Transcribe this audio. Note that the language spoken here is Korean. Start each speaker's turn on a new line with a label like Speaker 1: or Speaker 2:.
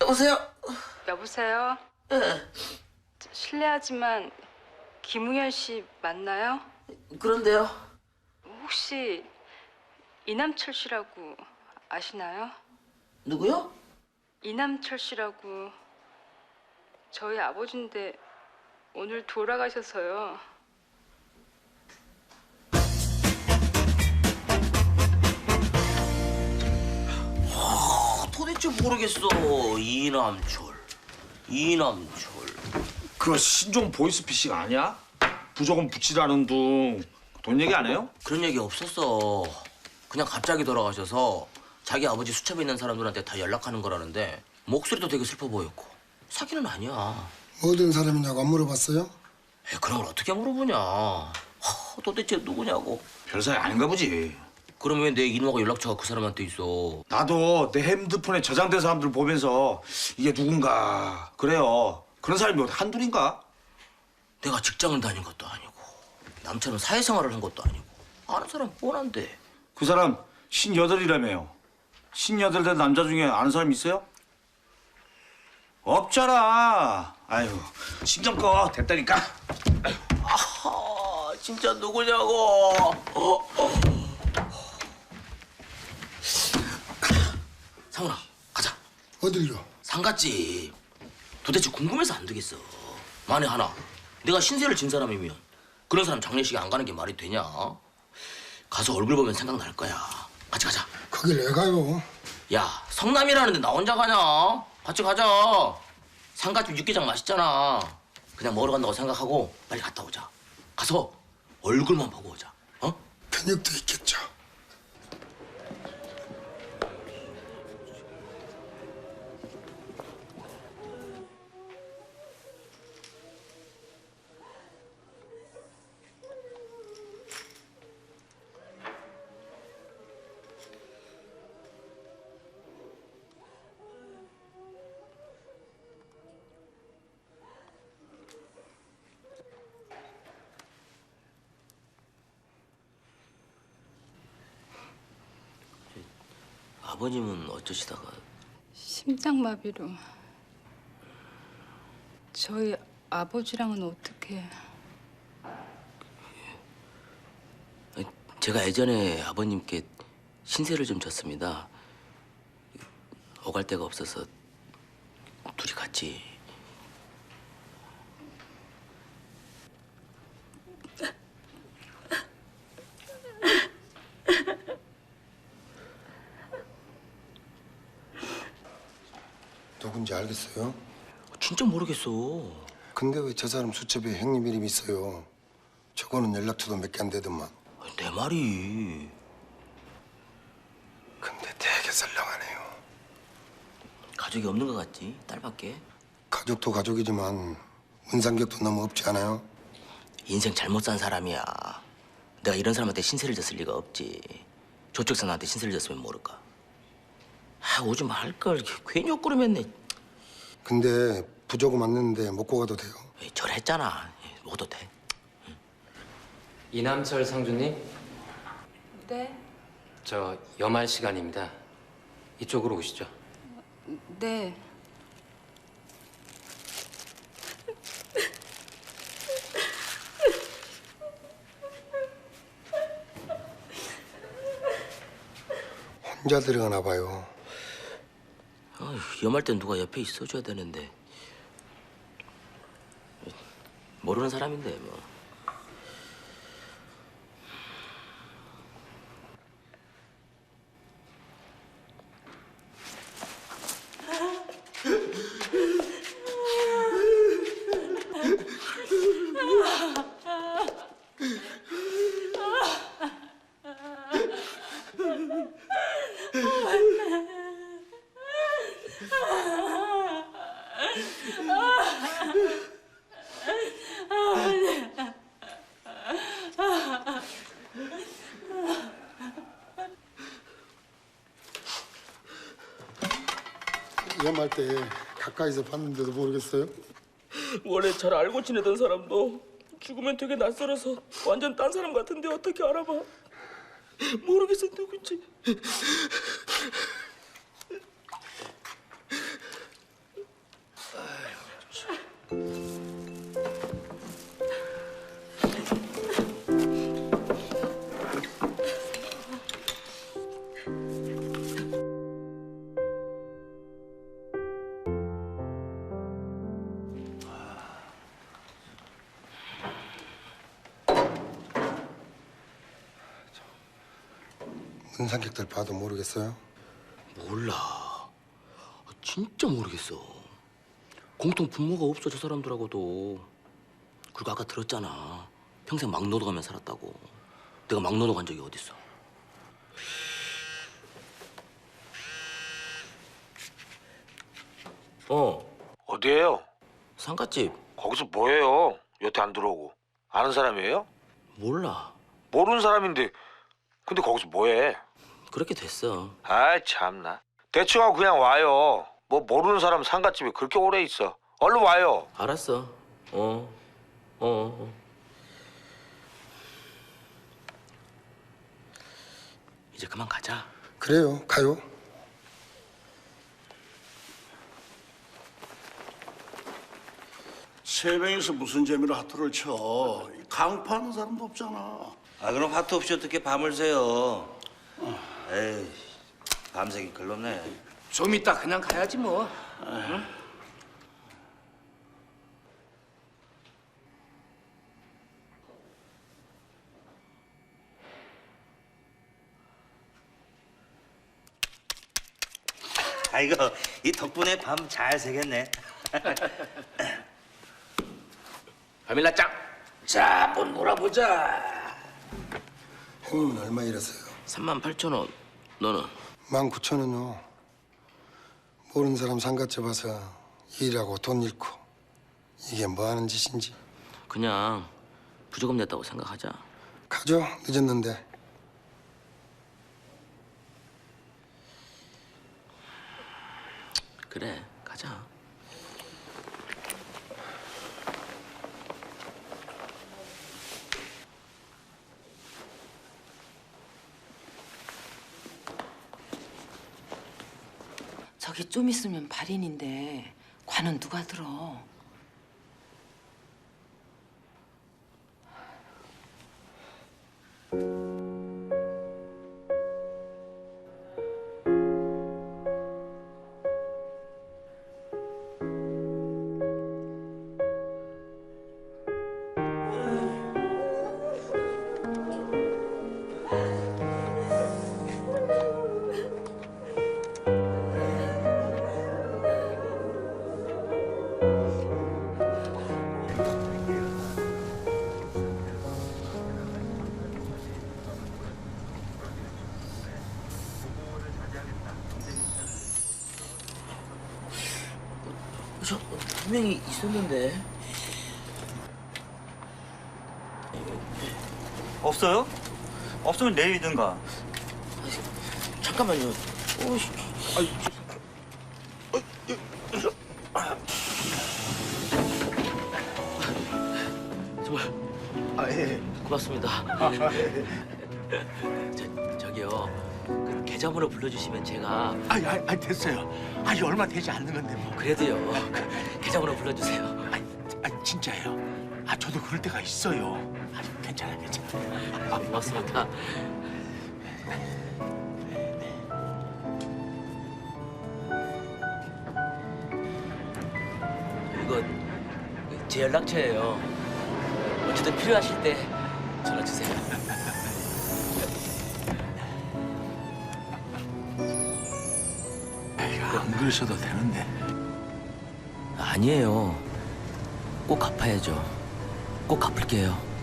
Speaker 1: 여보세요?
Speaker 2: 여보세요?
Speaker 1: 예.
Speaker 2: 실례하지만 김웅현 씨 맞나요?
Speaker 1: 그런데요.
Speaker 2: 혹시 이남철 씨라고 아시나요?
Speaker 1: 누구요?
Speaker 2: 이남철 씨라고 저희 아버지인데 오늘 돌아가셔서요.
Speaker 1: 도대체 모르겠어. 이남철.
Speaker 3: 그거 신종 보이스피싱 아니야? 부조금 붙이라는 둥 돈 얘기 안 해요?
Speaker 1: 그런 얘기 없었어. 그냥 갑자기 돌아가셔서 자기 아버지 수첩에 있는 사람들한테 다 연락하는 거라는데 목소리도 되게 슬퍼 보였고 사기는 아니야.
Speaker 4: 어떤 사람이냐고 안 물어봤어요?
Speaker 1: 그런 걸 어떻게 물어보냐. 도대체 누구냐고.
Speaker 3: 별 사이 아닌가 보지.
Speaker 1: 그럼 왜 내 이름하고 연락처가 그 사람한테 있어?
Speaker 3: 나도 내 핸드폰에 저장된 사람들 보면서 이게 누군가 그래요. 그런 사람이 뭐 한둘인가?
Speaker 1: 내가 직장을 다닌 것도 아니고 남처럼 사회생활을 한 것도 아니고 아는 사람 뻔한데.
Speaker 3: 그 사람 58이라며요. 58된 남자 중에 아는 사람 있어요? 없잖아. 아유, 신경 꺼. 됐다니까.
Speaker 1: 아하, 진짜 누구냐고. 상훈아, 가자.
Speaker 4: 어딜요?
Speaker 1: 상갓집. 도대체 궁금해서 안 되겠어. 만에 하나 내가 신세를 진 사람이면 그런 사람 장례식에 안 가는 게 말이 되냐? 가서 얼굴 보면 생각날 거야. 같이 가자.
Speaker 4: 거길 왜 가요?
Speaker 1: 야, 성남이라는데 나 혼자 가냐? 같이 가자. 상갓집 육개장 맛있잖아. 그냥 먹으러 간다고 생각하고 빨리 갔다 오자. 가서 얼굴만 보고 오자. 어?
Speaker 4: 근육도 있겠죠.
Speaker 1: 아버님은 어쩌시다가?
Speaker 2: 심장마비로. 저희 아버지랑은 어떻게?
Speaker 1: 제가 예전에 아버님께 신세를 좀 졌습니다. 오갈 데가 없어서 둘이 같이.
Speaker 4: 누군지 알겠어요?
Speaker 1: 진짜 모르겠어.
Speaker 4: 근데 왜 저 사람 수첩에 형님 이름이 있어요? 저거는 연락처도 몇 개 안 되더만.
Speaker 1: 내 말이.
Speaker 4: 근데 되게 썰렁하네요.
Speaker 1: 가족이 없는 것 같지? 딸밖에?
Speaker 4: 가족도 가족이지만 문상격도 너무 없지 않아요?
Speaker 1: 인생 잘못 산 사람이야. 내가 이런 사람한테 신세를 졌을 리가 없지. 저쪽 사람한테 신세를 졌으면 모를까. 오지 말걸. 괜히 욕구름했네.
Speaker 4: 근데 부조금 왔는데 먹고 가도 돼요?
Speaker 1: 절했잖아. 먹어도 돼.
Speaker 5: 이남철 상주님,
Speaker 2: 네.
Speaker 5: 저 염할 시간입니다. 이쪽으로 오시죠.
Speaker 2: 네.
Speaker 4: 혼자 들어가나 봐요.
Speaker 1: 염할 땐 누가 옆에 있어줘야 되는데. 모르는 사람인데 뭐.
Speaker 4: 위험할 때 가까이서 봤는데도 모르겠어요?
Speaker 6: 원래 잘 알고 지내던 사람도 죽으면 되게 낯설어서 완전 딴 사람 같은데 어떻게 알아봐? 모르겠어 누군지.
Speaker 4: 문상객들 봐도 모르겠어요?
Speaker 1: 몰라. 진짜 모르겠어. 공통 분모가 없어 저 사람들하고도. 그리고 아까 들었잖아. 평생 막노동 하며 살았다고. 내가 막노동 한 적이 어딨어.
Speaker 3: 어디에요?
Speaker 1: 상갓집.
Speaker 3: 거기서 뭐해요? 여태 안 들어오고. 아는 사람이에요?
Speaker 1: 몰라.
Speaker 3: 모르는 사람인데 근데 거기서 뭐해?
Speaker 1: 그렇게 됐어.
Speaker 3: 아이 참나. 대충 하고 그냥 와요. 뭐 모르는 사람 상갓집에 그렇게 오래 있어. 얼른 와요.
Speaker 1: 알았어. 이제 그만 가자.
Speaker 4: 그래요, 가요.
Speaker 7: 세 명이서 무슨 재미로 하트를 쳐? 강파하는 사람도 없잖아.
Speaker 8: 아 그럼 화투 없이 어떻게 밤을 새요? 에이 밤새기 글렀네.
Speaker 5: 좀 이따 그냥 가야지 뭐.
Speaker 8: 아이고 이 덕분에 밤 잘 새겠네.
Speaker 1: 발밀라 짱. 자, 한번 놀아보자.
Speaker 4: 형님은 얼마 일하세요?
Speaker 1: 38,000원. 너는?
Speaker 4: 19,000원요. 모르는 사람 상갓집 와서 일하고 돈 잃고 이게 뭐 하는 짓인지.
Speaker 1: 그냥 부조금 냈다고 생각하자.
Speaker 4: 가죠, 늦었는데.
Speaker 1: 그래, 가자.
Speaker 9: 저기 좀 있으면 발인인데 관은 누가 들어?
Speaker 1: 저 분명히 있었는데.
Speaker 8: 없어요? 없으면 내일이든가.
Speaker 1: 잠깐만요. 오씨. 정말. 고맙습니다. 저기요. 그 계좌번호 불러주시면 제가.
Speaker 7: 아니 됐어요. 아니 얼마 되지 않는 건데 뭐.
Speaker 1: 그래도요. 그 계좌번호 불러주세요.
Speaker 7: 아니 진짜예요. 아 저도 그럴 때가 있어요. 아니 괜찮아.
Speaker 1: 고맙습니다. 이거 제 연락처예요. 언제든 필요하실 때 전화 주세요.
Speaker 7: 안 그러셔도 되는데.
Speaker 1: 아니에요. 꼭 갚아야죠. 꼭 갚을게요.